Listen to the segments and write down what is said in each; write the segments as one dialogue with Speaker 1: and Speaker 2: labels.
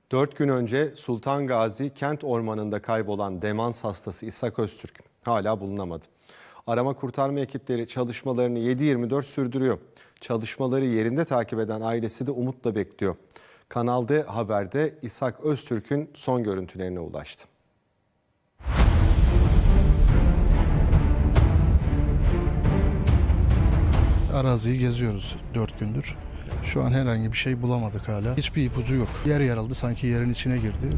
Speaker 1: 4 gün önce Sultan Gazi kent ormanında kaybolan demans hastası İshak Öztürk hala bulunamadı. Arama kurtarma ekipleri çalışmalarını 7/24 sürdürüyor. Çalışmaları yerinde takip eden ailesi de umutla bekliyor. Kanal D Haber'de İshak Öztürk'ün son görüntülerine ulaştı.
Speaker 2: Araziyi geziyoruz 4 gündür. Şu an herhangi bir şey bulamadık hala. Hiçbir ipucu yok. Yer yarıldı, sanki yerin içine girdi.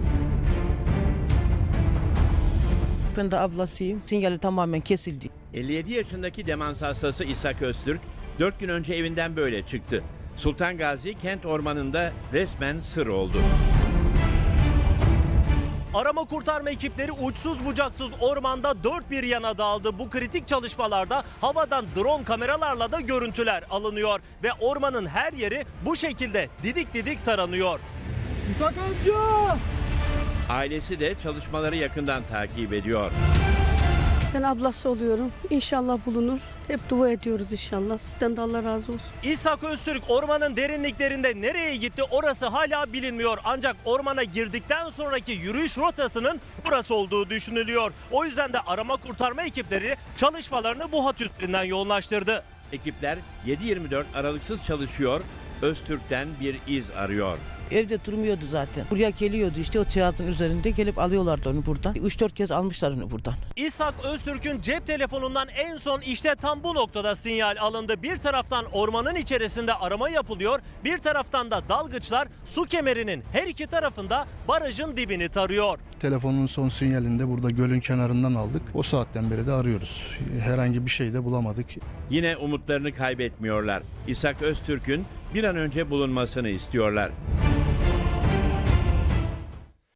Speaker 3: Ben de ablasıyım. Sinyali tamamen kesildi.
Speaker 4: 57 yaşındaki demans hastası İshak Öztürk 4 gün önce evinden böyle çıktı. Sultan Gazi kent ormanında resmen sır oldu.
Speaker 5: Arama kurtarma ekipleri uçsuz bucaksız ormanda dört bir yana dağıldı. Bu kritik çalışmalarda havadan drone kameralarla da görüntüler alınıyor. Ve ormanın her yeri bu şekilde didik didik taranıyor. İshak amca!
Speaker 4: Ailesi de çalışmaları yakından takip ediyor.
Speaker 6: Ben ablası oluyorum. İnşallah bulunur. Hep dua ediyoruz inşallah. Sizden de Allah razı olsun.
Speaker 5: İshak Öztürk ormanın derinliklerinde nereye gitti orası hala bilinmiyor. Ancak ormana girdikten sonraki yürüyüş rotasının burası olduğu düşünülüyor. O yüzden de arama kurtarma ekipleri çalışmalarını bu hat üstünden yoğunlaştırdı.
Speaker 4: Ekipler 7/24 aralıksız çalışıyor, Öztürk'ten bir iz arıyor.
Speaker 3: Evde durmuyordu zaten. Buraya geliyordu işte o cihazın üzerinde gelip alıyorlardı onu buradan. 3-4 kez almışlar onu buradan.
Speaker 5: İshak Öztürk'ün cep telefonundan en son işte tam bu noktada sinyal alındı. Bir taraftan ormanın içerisinde arama yapılıyor, bir taraftan da dalgıçlar su kemerinin her iki tarafında barajın dibini tarıyor.
Speaker 2: Telefonun son sinyalini de burada gölün kenarından aldık. O saatten beri de arıyoruz. Herhangi bir şey de bulamadık.
Speaker 4: Yine umutlarını kaybetmiyorlar. İshak Öztürk'ün bir an önce bulunmasını istiyorlar.